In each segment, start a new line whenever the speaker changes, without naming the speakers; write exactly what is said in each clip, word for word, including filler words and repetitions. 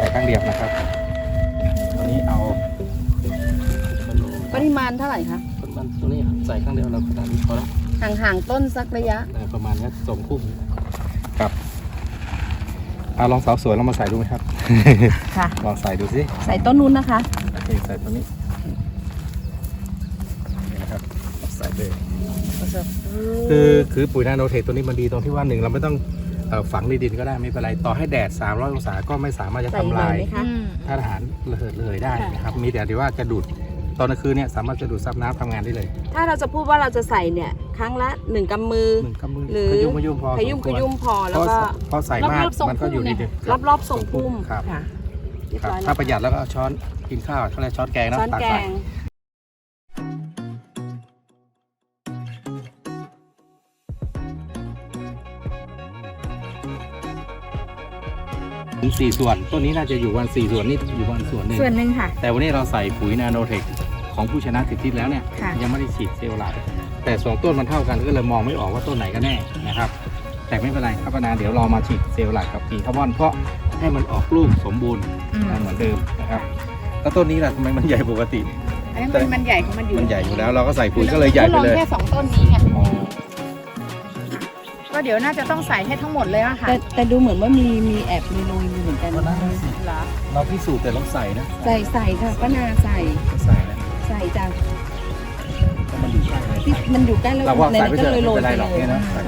ส่ครั้งเดียวนะครับตัวนี้เอา
ปริมาณเท่าไหร่คะ
มันตัวนี้ใส่ครั้งเดียวเราขนาดนี้พอแล้ว
ห่างๆต้นสักระยะ
ประมาณนี้สองคู่ครับเอาลองสาวสวยลองมาใส่ดูไหมครับ
ค่ะ
ลองใส่ดูสิ
ใส่ต้นนู้นนะคะ
โอเคใส่ตัวนี้นี่นะครับใส่เลยคือคือปุ๋ยนาโนเทคตัวนี้มันดีตรงที่ว่าหนึ่งเราไม่ต้องเอ่อฝังในดินก็ได้ไม่เป็นไรต่อให้แดดสามร้อยองศาก็ไม่สามารถจะ
ใส่
ทำ
เล
ลาย
ยไหมคะ
ธาตุอาหารระเหยระเหยได้นะครับมีแต่ที่ว่าจะดูดตอนกลางคืนเนี่ยสามารถจะดูดซับน้ำทำงานได้เลย
ถ้าเราจะพูดว่าเราจะใส่เนี่ยครั้งละหนึ่งกำมือ
หนึ่งกำมือ
หรือ
ขยุ่มขยุ่มพอ
ขยุ่ม
สควร
ขยุ่มพอ
เพ
แล้ว
ราะ
ก็
เพราะใส่มากมันก็อยู่ในดิน
รอบรอบๆทรงพุ่ม
ครับ
ค่ะเรียบ
ครับ
ร้อยแล้
ถ้าว ประหยัดแล้วก็เอาช้อนกินข้าวเขาเรียกช้อนแกงนะ
ช้อน
ตัก
แก
ใส่
ง
ถึงสี่ส่วนต้นนี้น่าจะอยู่วันสี่ส่วนนี่อยู่วันส่วนหนึ่ง
ส่วนหนึ่งค่ะ
แต่วันนี้เราใส่ปุ๋ยนาโนเทคของผู้ชนะสิทธิแล้วเนี่ย
ค่ะ
ยังไม่ได้ฉีดเซลล์หลักแต่สองต้นมันเท่ากันก็เลยมองไม่ออกว่าต้นไหนกันแน่นะครับแต่ไม่เป็นไรครับนาเดี๋ยวเรามาฉีดเซลล์หลักกับปีคาร์บอนเพราะให้มันออกลูกสมบูรณ์เหมือนเดิมนะครับแล้วต้นนี้ล่ะทำไมมันใหญ่ปกติ
อันนี้มันมันใหญ่ของมันอยู่
มันใหญ่อยู่แล้วเราก็ใส่ปุ๋ยก็เลยใหญ่ไปเลย
แค่สองต้นนี้ไง
ก็เดี๋ยวน่าจะต้องใส่ให้ทั้งหมดเลยอะค่ะ
แต่แต่ดูเหมือนว่ามีมีแอบมีโรยอยู่เหมือนกัน
ก็ได้สิ
เหรอ
เราพิสูจน์แต่เราใส่นะ
ใส่ใส่ค่ะป้านาใส่
ใส่นะ
ใส่จ้ะ
เพราะมันอยู่ใกล้เลย
ที่มันอยู่ใกล้แล้ว
เราว่า
ใน
ใส่ไป
นั้น
เถ
ก็
อะ
เลยโร
ไม่
ย
เป็น
ไป
ไรหรอก
เลย
เนี่ยนะ
ใช่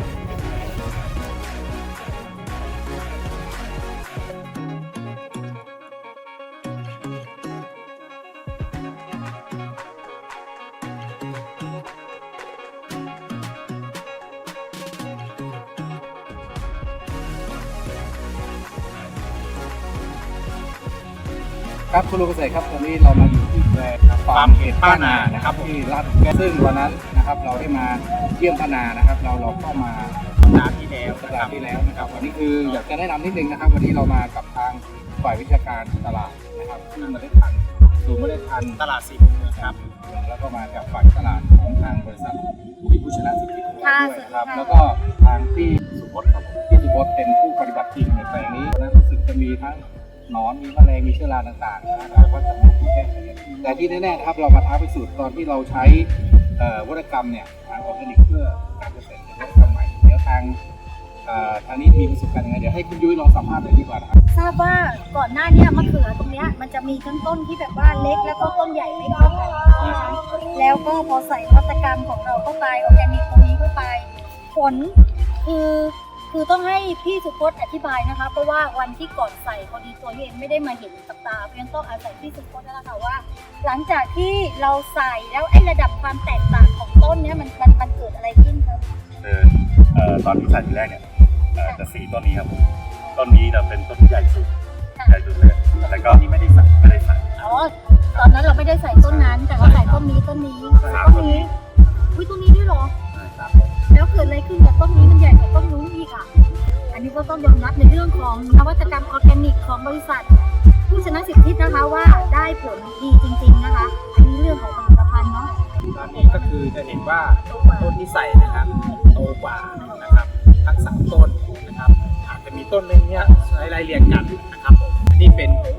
ครับคุณลุงเกษตรครับตอนนี้เรามาอยู่ที่แปลงฟาร์มเห็ดป้านานะครับที่รัฐแกซึ่งวันนั้นนะครับเราได้มาเยี่ยมป้านานะครับ เราเราก็มาสัปดาห์ที่แล้วสัปดาห์ที่แล้วนะครับวันนี้คืออยากจะแนะนำนิดนึงนะครับ วันนี้เรามากับทางฝ่ายวิชาการตลาดนะครับซึ่งเมล็ดพันธุ์ศูนย์เมล็ดพันธุ์ตลาดสิบครับแล้วก็มาจากฝ่ายตลาดของทางบริษัทที่ผู้ชนะสิทธิด้วยนะครับแล้วก็ทางที่สุพจน์ครับที่สุพจน์เป็นผู้ปฏิบัติจริงในแปลงนี้นะรู้สึกจะมีทั้งหนอนมีแมลงมีเชื้อราต่างๆนะครับว่าจะมีที่แก้ไขแต่ที่แน่ๆนะครับเรามาท้าพิสูจน์ตอนที่เราใช้วัตกรรมเนี่ยทางออร์แกนิกเพื่อการเกษตรเป็นวัตกรรมใหม่เดี๋ยวทางทางนี้มีประสบการณ์ยังไงเดี๋ยวให้คุณยุ้ยลองสัมภาษณ์หน่อยดีกว่านะครับ
ทราบว่าก่อนหน้าเนี้มะเขือตรงเนี้ยมันจะมีทั้งต้นที่แบบว่าเล็กแล้วก็ต้นใหญ่ไม่เท่ากันนะคะแล้วก็พอใส่นวัตกรรมของเราเข้าไปออร์แกนิกตรงนี้เข้าไปผลคือคือต้องให้พี่สุพจน์อธิบายนะคะเพราะว่าวันที่ก่อนใส่พอดีตัวเองไม่ได้มาเห็นกับตาเพราะฉะนั้นต้องอาศัยพี่สุพจน์นั่นแหละค่ะว่า หลังจากที่เราใส่แล้วไอ้ระดับความแตกต่างของต้นเนี้ยมันมันมันเกิดอะไรขึ้นครับ
คือเอ่อตอนที่ใส่ทีแรกเนี่ยเอ่อจะสีต้นนี้ครับผมต้นนี้จะเป็นต้นที่ใหญ่สุดใหญ่สุดเลยแล้วก็ที่ไม่ได้ใส่ไม่ได้ใส่
อ๋อตอนนั้นเราไม่ได้ใส่ต้นนั้น แต่เราใส่ต้นนี้ต้นนี้ต้นนี้อุ้ยต้นนี้ด้วยเหรอ แล้วเกิดอะไรขึ้นกับต้นนี้มันใหญ่กว่าต้นนู้นอีกอ่ะ อันนี้ก็ต้องยอมรับในเรื่องของนวัตกรรมออร์แกนิกของบริษัท ผู้ชนะสิทธินะคะว่าได้ผลดีจริงๆนะคะ อันนี้เรื่องของผลิตภัณฑ์เนาะ
ตอนนี้ก็คือจะเห็นว่าต้นที่ใส่นะครับโตกว่านะครับทั้งสามต้นนะครับอาจจะมีต้นหนึงเนี่ยใช้รายเรียงกันนะครับผมนี่เป็นผ